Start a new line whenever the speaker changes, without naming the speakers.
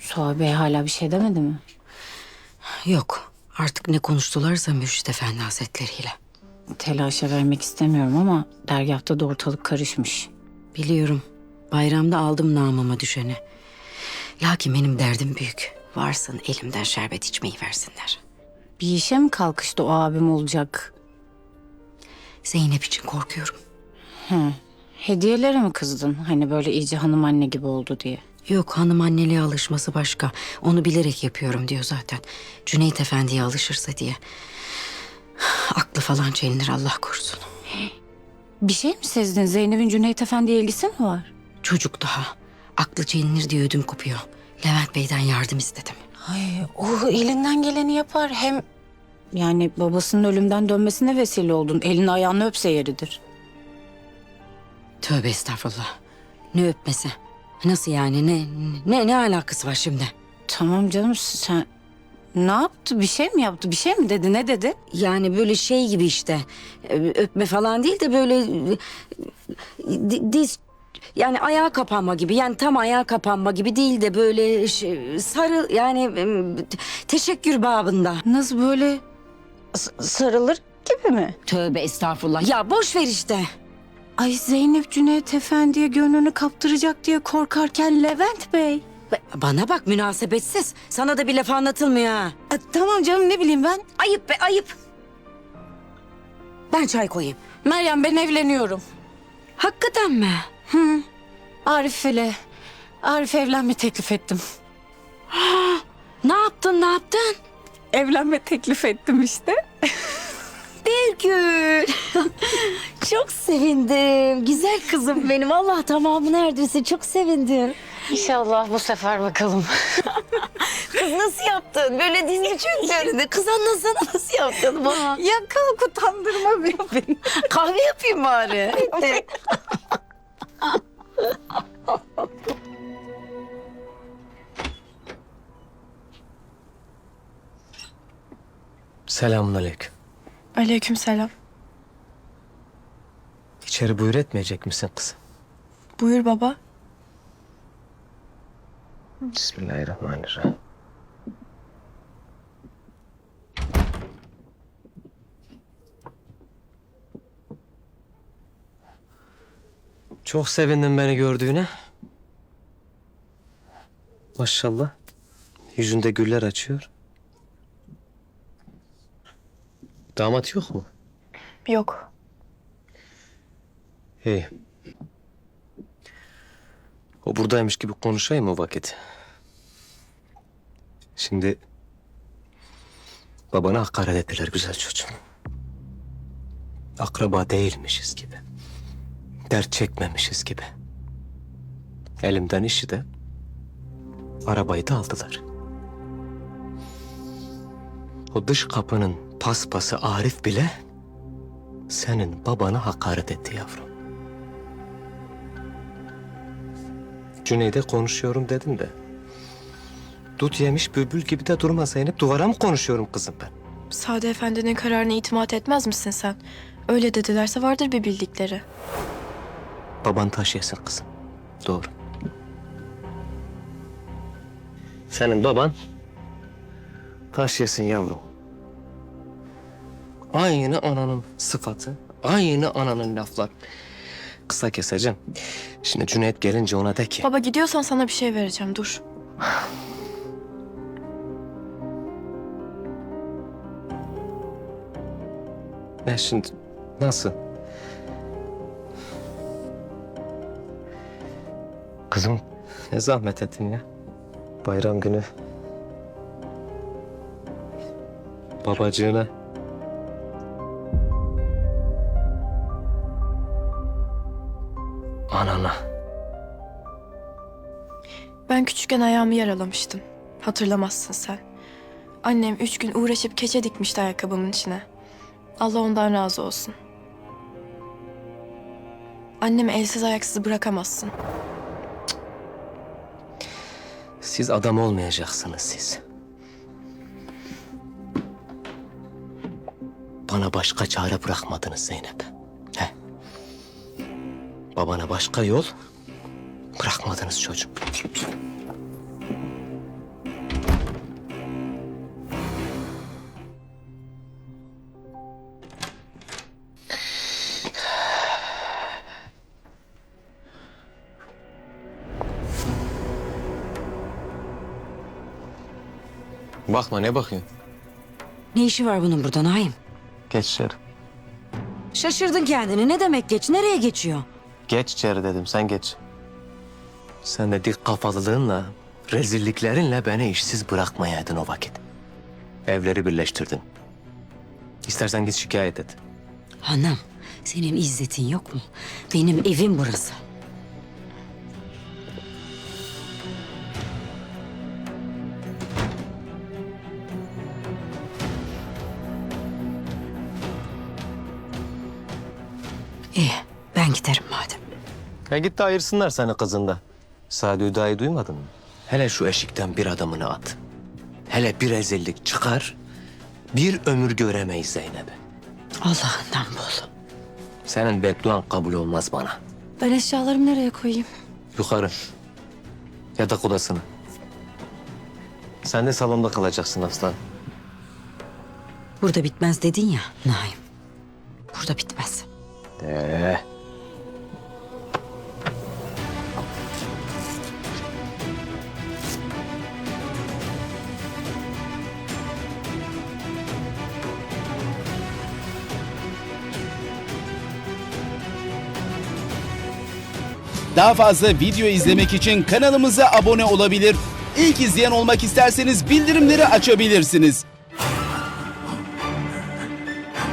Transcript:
Suha Bey hala bir şey demedi mi?
Yok. Artık ne konuştularsa Mürşit Efendi Hazretleriyle.
Telaşa vermek istemiyorum ama dergâhta da ortalık karışmış.
Biliyorum. Bayramda aldım namıma düşeni. Lakin benim derdim büyük. Varsın elimden şerbet içmeyi versinler.
Bir işe mi kalkıştı o abim olacak?
Zeynep için korkuyorum.
Hediyelere mi kızdın? Hani böyle iyice hanım anne gibi oldu diye.
Yok, hanım anneliğe alışması başka. Onu bilerek yapıyorum diyor zaten. Cüneyt Efendi'ye alışırsa diye. Aklı falan çelinir, Allah korusun.
Bir şey mi sezdin? Zeynep'in Cüneyt Efendi'ye ilgisi mi var?
Çocuk daha. Aklı çelinir diye ödüm kopuyor. Levent Bey'den yardım istedim.
Ay, o elinden geleni yapar. Hem yani babasının ölümden dönmesine vesile oldun. Elini ayağını öpse yeridir.
Tövbe estağfurullah. Ne öpmesi? Nasıl yani? Ne alakası var şimdi?
Tamam canım, sen ne yaptı? Bir şey mi yaptı? Bir şey mi dedi? Ne dedi?
Yani böyle şey gibi işte. Öpme falan değil de böyle diz, yani ayağa kapanma gibi. Yani tam ayağa kapanma gibi değil de böyle sarı, yani teşekkür babında.
Nasıl böyle sarılır gibi mi?
Tövbe estağfurullah. Ya boş ver işte.
Ay, Zeynep Cüneyt Efendi'ye gönlünü kaptıracak diye korkarken Levent Bey.
Bana bak, münasebetsiz. Sana da bir laf anlatılmıyor ha.
Tamam canım, ne bileyim ben.
Ayıp be, ayıp. Ben çay koyayım.
Meryem, ben evleniyorum.
Hakikaten mi?
Arif'e evlenme teklif ettim.
Ne yaptın, ne yaptın?
Evlenme teklif ettim işte.
Birgül. Çok sevindim. Güzel kızım benim. Allah tamamı neredeyse, çok sevindim.
İnşallah bu sefer bakalım.
Kız nasıl yaptın? Böyle dizini çöktürdün. Kız anlasana, nasıl yaptın bana?
Ya kalk, utandırma beni.
Kahve yapayım bari.
Selamünaleyküm.
Aleykümselam.
İçeri buyur etmeyecek misin kızım?
Buyur baba.
Bismillahirrahmanirrahim. Çok sevindim beni gördüğüne. Maşallah. Yüzünde güller açıyor. Damat yok mu?
Yok.
İyi. O buradaymış gibi konuşayım o vakit. Şimdi babana hakaret ettiler güzel çocuğum. Akraba değilmişiz gibi. Dert çekmemişiz gibi. Elimden işi de arabayı da aldılar. O dış kapının paspası Arif bile senin babana hakaret etti yavrum. Cüneyt'e konuşuyorum dedim de. Dut yemiş bülbül gibi de durma Zeynep. Duvara mı konuşuyorum kızım ben?
Sade Efendi'nin kararına itimat etmez misin sen? Öyle dedilerse vardır bir bildikleri.
Baban taş yesin kızım. Doğru. Senin baban taş yesin yavrum. Aynı ananın sıfatı, aynı ananın laflar. Kısa keseceğim. Şimdi Cüneyt gelince ona de ki...
Baba gidiyorsan sana bir şey vereceğim, dur.
Ne şimdi? Nasıl? Kızım ne zahmet ettin ya. Bayram günü. Babacığına. Anana.
Ben küçükken ayağımı yaralamıştım. Hatırlamazsın sen. Annem 3 gün uğraşıp keçe dikmişti ayakkabımın içine. Allah ondan razı olsun. Annemi elsiz ayaksız bırakamazsın.
Siz adam olmayacaksınız siz. Bana başka çare bırakmadınız Zeynep. He. Babana başka yol bırakmadınız çocuğum. Bakma, ne bakıyorsun?
Ne işi var bunun burada Naim?
Geç içeri.
Şaşırdın kendini. Ne demek geç? Nereye geçiyor?
Geç içeri dedim, sen geç. Sen de dik kafalılığınla, rezilliklerinle beni işsiz bırakmayaydın o vakit. Evleri birleştirdin. İstersen git şikayet et.
Hanım, senin izzetin yok mu? Benim evim burası. İyi, ben giderim madem.
Ya git de ayırsınlar seni kızında. Sadi Hüda'yı duymadın mı? Hele şu eşikten bir adımını at. Hele bir rezillik çıkar, bir ömür göremeyiz Zeynep'i.
Allah'ından bul.
Senin bedduan kabul olmaz bana.
Ben eşyalarımı nereye koyayım?
Yukarı. Yatak odasına. Sen de salonda kalacaksın aslan.
Burada bitmez dedin ya Naim. Burada bitmez.
Daha fazla video izlemek için kanalımıza abone olabilir. İlk izleyen olmak isterseniz bildirimleri açabilirsiniz.